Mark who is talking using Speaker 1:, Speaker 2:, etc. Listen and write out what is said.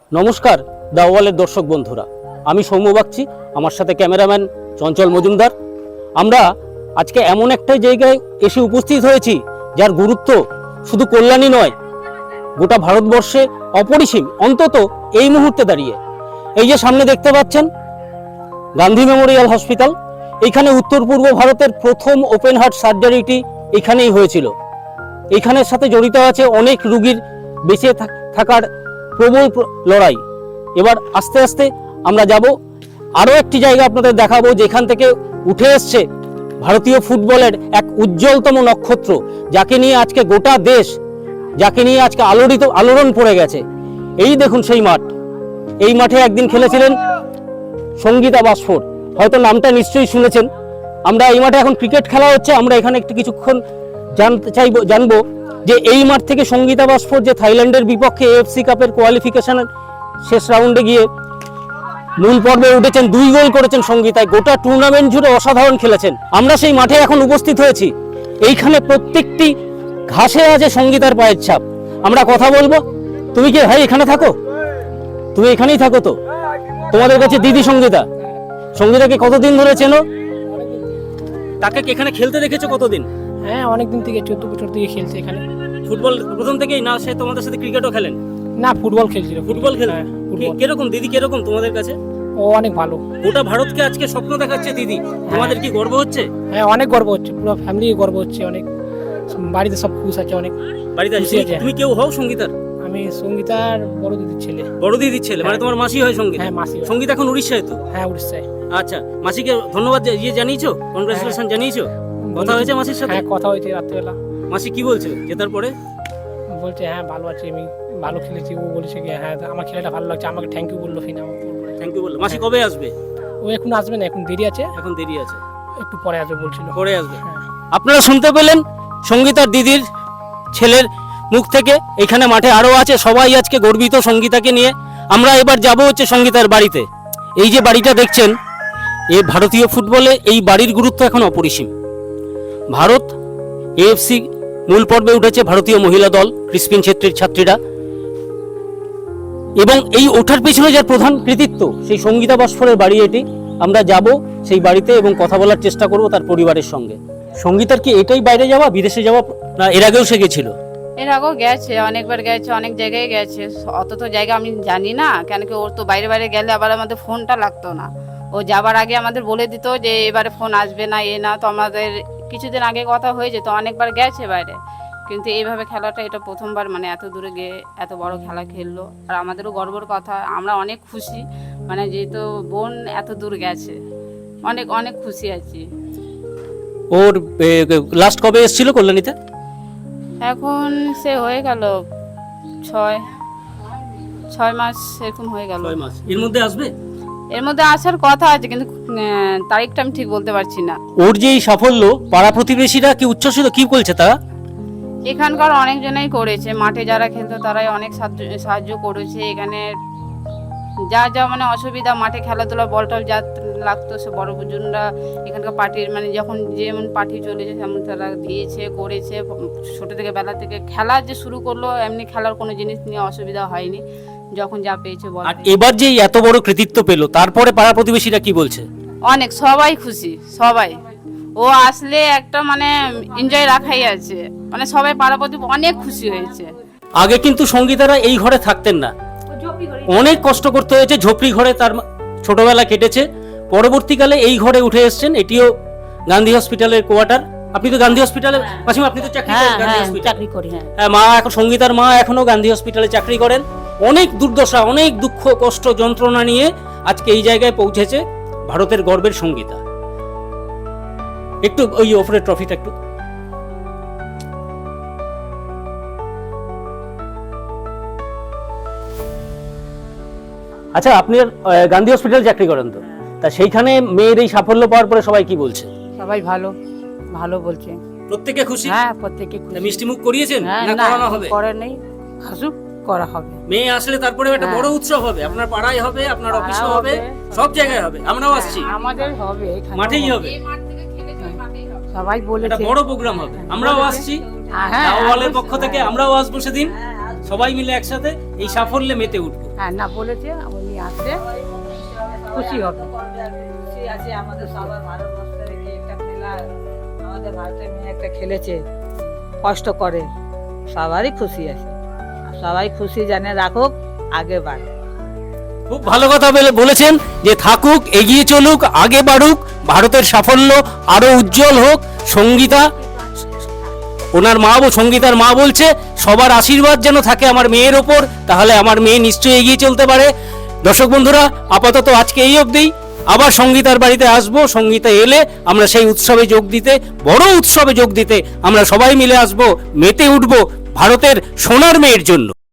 Speaker 1: নমস্কার দাওয়ালের দর্শক বন্ধুরা, আমি সৌম্য বাগচি, আমার সাথে ক্যামেরাম্যান চঞ্চল মজুমদার। আমরা আজকে এমন একটা জায়গায় এসে উপস্থিত হয়েছি যার গুরুত্ব শুধু কল্যাণী নয়, গোটা ভারতবর্ষে অপরিসীম, অন্তত এই মুহূর্তে দাঁড়িয়ে। এই যে সামনে দেখতে পাচ্ছেন গান্ধী মেমোরিয়াল হসপিটাল, এইখানে উত্তর পূর্ব ভারতের প্রথম ওপেন হার্ট সার্জারিটি এখানেই হয়েছিল। এইখানের সাথে জড়িত আছে অনেক রোগীর বেঁচে থাকার প্রবল লড়াই। এবার আস্তে আস্তে আমরা যাব আরও একটি জায়গা আপনাদের দেখাবো, যেখান থেকে উঠে এসছে ভারতীয় ফুটবলের এক উজ্জ্বলতম নক্ষত্র, যাকে নিয়ে আজকে গোটা দেশ, যাকে নিয়ে আজকে আলোড়ন পড়ে গেছে। এই দেখুন সেই মাঠ, এই মাঠে একদিন খেলেছিলেন সঙ্গীতা বাসফোর, হয়তো নামটা নিশ্চয়ই শুনেছেন। আমরা এই মাঠে এখন ক্রিকেট খেলা হচ্ছে, আমরা এখানে একটু কিছুক্ষণ জানবো যে এই মাঠ থেকে সঙ্গীতা বাসফোর যে থাইল্যান্ডের বিপক্ষে এএফসি কাপের কোয়ালিফিকেশনের শেষ রাউন্ডে গিয়ে মূল পর্বে উঠেছেন, 2 গোল করেছেন সঙ্গীতায়, গোটা টুর্নামেন্ট জুড়ে অসাধারণ খেলেছেন। আমরা সেই মাঠে এখন উপস্থিত হয়েছি, এইখানে প্রত্যেকটি ঘাসে আছে সঙ্গীতার পায়ের ছাপ। আমরা কথা বলবো। তুমি কি ভাই এখানে থাকো? তুমি এখানেই থাকো তো? তোমাদের কাছে দিদি সঙ্গীতা, সঙ্গীতাকে কতদিন ধরে চেনো? তাকে এখানে খেলতে দেখেছো কতদিন?
Speaker 2: হ্যাঁ, অনেকদিন থেকে 14 বছর থেকে খেলছে এখানে।
Speaker 1: ফুটবল প্রথম থেকেই না? সে তোমাদের সাথে ক্রিকেটও খেলেন?
Speaker 2: না, ফুটবল খেলছিল।
Speaker 1: ফুটবল খেলেন?
Speaker 2: হ্যাঁ, ফুটবল।
Speaker 1: কিরকম দিদি, কিরকম তোমাদের কাছে?
Speaker 2: ও অনেক ভালো।
Speaker 1: গোটা ভারতকে আজকে স্বপ্ন দেখাচ্ছে দিদি, তোমাদের কি গর্ব হচ্ছে?
Speaker 2: হ্যাঁ, অনেক গর্ব হচ্ছে, পুরো ফ্যামিলি গর্ব হচ্ছে। অনেক বাড়িতে সব খুশ আছে, অনেক
Speaker 1: বাড়িতে
Speaker 2: খুশি আছে।
Speaker 1: তুমি কেউ হও সঙ্গীতার?
Speaker 2: আমি সঙ্গীতার বড় দিদির ছেলে।
Speaker 1: বড় দিদির ছেলে? মানে তোমার মাসি হয় সঙ্গীত?
Speaker 2: হ্যাঁ, মাসি হয়।
Speaker 1: সঙ্গীত এখন উড়িষ্যায় তো?
Speaker 2: হ্যাঁ, উড়িষ্যায়।
Speaker 1: আচ্ছা, মাসিকে ধন্যবাদ জানিয়েছো? কনগ্রাচুলেশন জানিয়েছো? কথা হয়েছে মাসির সাথে?
Speaker 2: হ্যাঁ, কথা হয়েছে রাত্রেবেলা।
Speaker 1: মাসি কি বলছে জেতার পরে?
Speaker 2: বলছে হ্যাঁ ভালো আছে, আমি ভালো খেলেছি। ও বলেছে কি হ্যাঁ আমার খেলাটা ভালো লাগছে, আমাকে থ্যাংক ইউ বললো। ফিনা
Speaker 1: থ্যাংক ইউ বললো। মাসি কবে আসবে?
Speaker 2: ও এখন আসবে না, এখন দেরি আছে।
Speaker 1: এখন দেরি আছে,
Speaker 2: একটু পরে আসবে বলছিল।
Speaker 1: পরে আসবে।
Speaker 2: হ্যাঁ।
Speaker 1: আপনারা শুনতে পেলেন সঙ্গীতার দিদির ছেলের মুখ থেকে। এখানে মাঠে আরো আছে, সবাই আজকে গর্বিত সঙ্গীতাকে নিয়ে। আমরা এবার যাব হচ্ছে সঙ্গীতার বাড়িতে। এই যে বাড়িটা দেখছেন, এই ভারতীয় ফুটবলে এই বাড়ির গুরুত্ব এখন অপরিসীম। ভারত এএফসি মূল পর্বে উঠেছে ভারতীয় মহিলা দল ক্রিসপিন ছেত্রীর ছাত্রীরা, এবং এই ওঠার পেছনে যার প্রধান কৃতিত্ব সেই সঙ্গীতা বাসফোরের বাড়ি এটি। আমরা যাব সেই বাড়িতে এবং কথা বলার চেষ্টা করব তার পরিবারের সঙ্গে। সঙ্গীতার কি এটাই বাইরে যাওয়া, বিদেশে যাওয়া, না এর আগেও সে গেছিল?
Speaker 3: এর আগেও গেছে, অনেকবার গেছে, অনেক জায়গায় গেছে। অত তো জায়গা আমি জানি না, কেন কি ওর তো বাইরে বাইরে গেলে আবার আমাদের ফোনটা লাগতো না। ও যাবার আগে আমাদের বলে দিত যে এবারে ফোন আসবে না, না। তো আমাদের কিছুদিন আগে কথা হয়ে যেত, অনেকবার গেছে বাইরে, কিন্তু এইভাবে খেলাটা এটা প্রথমবার, মানে এত দূরে গিয়ে এত বড় খেলা খেললো। আর আমাদেরও গর্বের কথা, আমরা অনেক খুশি, মানে যেহেতু বোন এত দূর গেছে, অনেক অনেক খুশি আছি।
Speaker 1: ওর লাস্ট কবে এসেছিল কল্যাণীতে?
Speaker 3: এখন সে হয়ে গেল 6 মাস এরকম হয়ে গেল।
Speaker 1: 6 মাস। এর মধ্যে আসবে?
Speaker 3: এর মধ্যে আসার কথা আছে, কিন্তু তারিখটা আমি ঠিক বলতে পারছি না।
Speaker 1: ওর যে এই সাফল্য, পাড়া প্রতিবেশীরা কি উচ্ছ্বসিত, কি বলছে তারা?
Speaker 3: এখানকার অনেকজনেই করেছে, মাঠে যারা খেলতো তারাই অনেক সাহায্য করেছে। এখানে যা যা মানে অসুবিধা, মাঠে খেলাধুলা বল টল যা লাগতো, সে বড় বুজুর্গরা এখানকার পার্টির, মানে যখন যেমন পার্টি চলেছে তেমন তারা দিয়েছে, করেছে। ছোটো থেকে বেলা থেকে খেলা যে শুরু করলো, এমনি খেলার কোনো জিনিস নিয়ে অসুবিধা হয়নি, যখন যা পেয়েছে বল।
Speaker 1: আর এবার যে এত বড় কৃতিত্ব পেল, তারপরে পাড়া প্রতিবেশীরা কি বলছে?
Speaker 3: অনেক, সবাই খুশি, সবাই। ও আসলে একটা মানে এনজয় রাখাই আছে, মানে সবাই পাড়াপতি অনেক খুশি হয়েছে।
Speaker 1: আগে কিন্তু সঙ্গীতারা এই ঘরে থাকতেন না, অনেক কষ্ট করতে হয়েছে, ঝোপড়ি ঘরে তার ছোটবেলা কেটেছে। পরবর্তীকালে এই ঘরে উঠে এসেছেন। এটিও গান্ধী হসপিটালের কোয়ার্টার। আপনি তো গান্ধী হসপিটালে মাসিমা, আপনি তো চাকরি করেন গান্ধী হসপিটালে?
Speaker 4: চাকরি করি।
Speaker 1: হ্যাঁ, মা এখন সঙ্গীতার মা এখনো গান্ধী হসপিটালে চাকরি করেন। অনেক দুর্দশা, অনেক দুঃখ কষ্ট যন্ত্রণা নিয়ে আজকে এই জায়গায় পৌঁছেছে ভারতের গর্বের সঙ্গীতা। একটু ওই ওপরের ট্রফিটা একটু। আচ্ছা, আপনি গান্ধী হসপিটালে চাকরি করেন তো, তা সেইখানে মেয়ের এই সাফল্য পাওয়ার পরে সবাই কি বলছে?
Speaker 4: সবাই ভালো ভালো বলছে।
Speaker 1: প্রত্যেকে খুশি?
Speaker 4: হ্যাঁ, প্রত্যেকে খুশি।
Speaker 1: মিষ্টি মুখ করিয়েছেন
Speaker 4: হ্যাঁ,
Speaker 1: না করানো হবে?
Speaker 4: করে নেই, হাসুক করা হবে।
Speaker 1: মেয়ে আসলে তারপরে একটা বড় উৎসব হবে, আপনার পাড়ায় হবে, আপনার অফিসে হবে, সব জায়গায় হবে। আমরাও আসছি,
Speaker 4: আমাদের হবে, এখানে
Speaker 1: মাঠেই হবে,
Speaker 4: সবাই বলেছে
Speaker 1: একটা বড় প্রোগ্রাম হবে। আমরাও আসছি, দাওয়ালের পক্ষ থেকে আমরাও আসবো সেদিন। সবাই মিলে একসাথে এই সাফল্যে মেতে উঠবো।
Speaker 4: হ্যাঁ না বলেছে, উনি আসছে, খুশি হবে।
Speaker 5: খুশি আছে আমাদের সবার ভারতবর্ষের কি একটা খেলা, আমাদের ভারতের মেয়ে একটা খেলেছে, কষ্ট করে, সবারই খুশি আছে। আর সবাই খুশি জানে রাখুক, আগে বাড়ে।
Speaker 1: খুব ভালো কথা বলেছেন যে থাকুক, এগিয়ে চলুক, আগে বাড়ুক, ভারতের সাফল্য আরো উজ্জ্বল হোক। সঙ্গীতা, ওনার মা সঙ্গীতার মা বলছে সবার আশীর্বাদ যেন থাকে আমার মেয়ের ওপর, তাহলে আমার মেয়ে নিশ্চয়ই এগিয়ে চলতে পারে। দর্শক বন্ধুরা, আপাতত আজকে এই অবধি। আবার সঙ্গীতার বাড়িতে আসবো, সঙ্গীতা এলে আমরা সেই উৎসবে যোগ দিতে, বড় উৎসবে যোগ দিতে আমরা সবাই মিলে আসবো, মেতে উঠবো ভারতের সোনার মেয়ের জন্য।